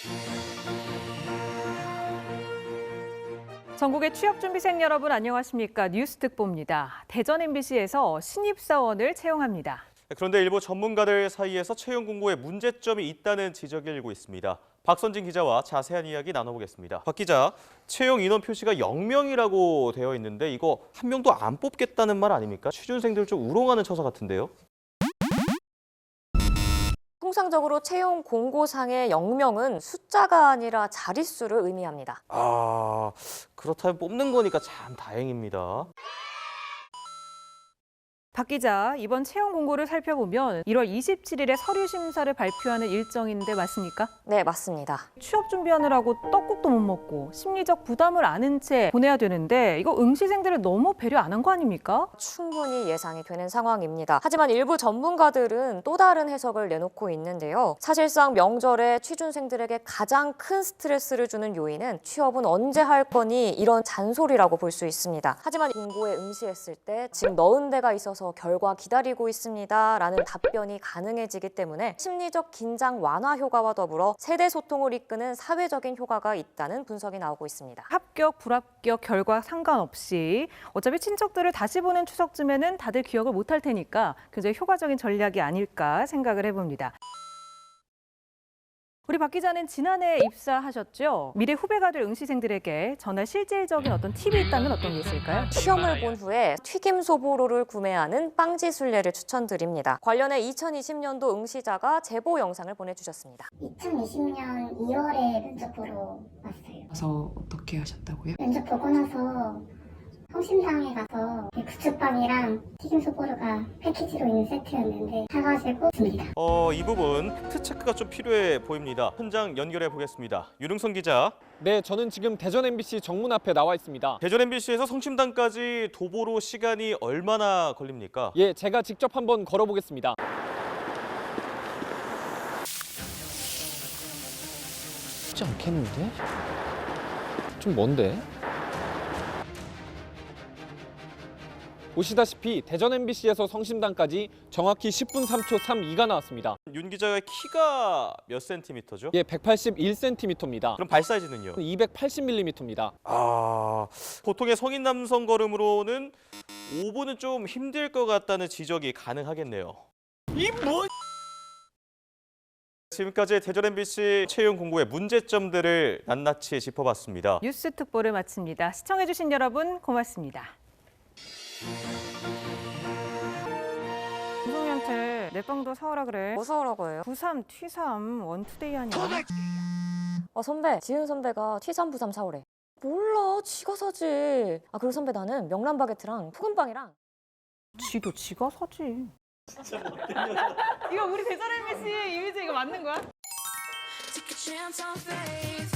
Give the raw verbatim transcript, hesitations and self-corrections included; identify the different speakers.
Speaker 1: 전국의 취업준비생 여러분 안녕하십니까? 뉴스특보입니다. 대전 엠비씨에서 신입사원을 채용합니다.
Speaker 2: 그런데 일부 전문가들 사이에서 채용 공고에 문제점이 있다는 지적이 일고 있습니다. 박선진 기자와 자세한 이야기 나눠보겠습니다. 박 기자, 채용 인원 표시가 영 명이라고 되어 있는데 이거 한 명도 안 뽑겠다는 말 아닙니까? 취준생들 좀 우롱하는 처사 같은데요?
Speaker 3: 통상적으로 채용 공고상의 영 명은 숫자가 아니라 자릿수를 의미합니다.
Speaker 2: 아, 그렇다면 뽑는 거니까 참 다행입니다.
Speaker 1: 박 기자, 이번 채용 공고를 살펴보면 일월 이십칠일에 서류 심사를 발표하는 일정인데 맞습니까?
Speaker 3: 네, 맞습니다.
Speaker 1: 취업 준비하느라고 떡국도 못 먹고 심리적 부담을 안은 채 보내야 되는데 이거 응시생들을 너무 배려 안 한 거 아닙니까?
Speaker 3: 충분히 예상이 되는 상황입니다. 하지만 일부 전문가들은 또 다른 해석을 내놓고 있는데요. 사실상 명절에 취준생들에게 가장 큰 스트레스를 주는 요인은 취업은 언제 할 거니 이런 잔소리라고 볼 수 있습니다. 하지만 공고에 응시했을 때 지금 넣은 데가 있어서 결과 기다리고 있습니다 라는 답변이 가능해지기 때문에 심리적 긴장 완화 효과와 더불어 세대 소통을 이끄는 사회적인 효과가 있다는 분석이 나오고 있습니다.
Speaker 1: 합격, 불합격 결과 상관없이 어차피 친척들을 다시 보는 추석쯤에는 다들 기억을 못할 테니까 굉장히 효과적인 전략이 아닐까 생각을 해봅니다. 우리 박 기자는 지난해 입사하셨죠? 미래 후배가 될 응시생들에게 전할 실질적인 어떤 팁이 있다면 어떤 게 있을까요?
Speaker 3: 시험을 본 후에 튀김 소보로를 구매하는 빵지 순례를 추천드립니다. 관련해 이천이십년도 응시자가 제보 영상을 보내주셨습니다.
Speaker 4: 이천이십년 이월에 면접 보러 왔어요.
Speaker 5: 가서 어떻게 하셨다고요?
Speaker 4: 면접 보고 나서 성심당에 가서 부추빵이랑 튀김소보루가 패키지로 있는 세트였는데 사가지고 줍니다.
Speaker 2: 어, 이 부분 팩트 체크가 좀 필요해 보입니다. 현장 연결해 보겠습니다. 유릉선 기자.
Speaker 6: 네, 저는 지금 대전 엠비씨 정문 앞에 나와 있습니다.
Speaker 2: 대전 엠비씨에서 성심당까지 도보로 시간이 얼마나 걸립니까?
Speaker 6: 예, 제가 직접 한번 걸어보겠습니다. 쉽지 않겠는데? 좀 먼데? 보시다시피 대전 엠비씨에서 성심당까지 정확히 십 분 삼 초 삼십이가 나왔습니다.
Speaker 2: 윤 기자의 키가 몇 센티미터죠?
Speaker 6: 예, 백팔십일 센티미터입니다.
Speaker 2: 그럼 발 사이즈는요?
Speaker 6: 이백팔십 밀리미터입니다.
Speaker 2: 아, 보통의 성인 남성 걸음으로는 오 분은 좀 힘들 것 같다는 지적이 가능하겠네요. 이 뭐? 지금까지 대전 엠비씨 채용 공고의 문제점들을 낱낱이 짚어봤습니다.
Speaker 1: 뉴스 특보를 마칩니다. 시청해주신 여러분 고맙습니다. 우성이한테 내 빵도 사오라 그래.
Speaker 3: 뭐 사오라고 해요?
Speaker 1: 구삼, 튀삼, 원투데이 아니야?
Speaker 3: 어, 선배, 지은 선배가 티삼 부삼 사오래. 몰라, 지가 사지. 아, 그리고 선배 나는 명란 바게트랑 푸근빵이랑.
Speaker 1: 지도 지가 사지. 이거 우리 대전 엠비씨 이미지 이거 맞는 거야?
Speaker 7: Take a chance on faith.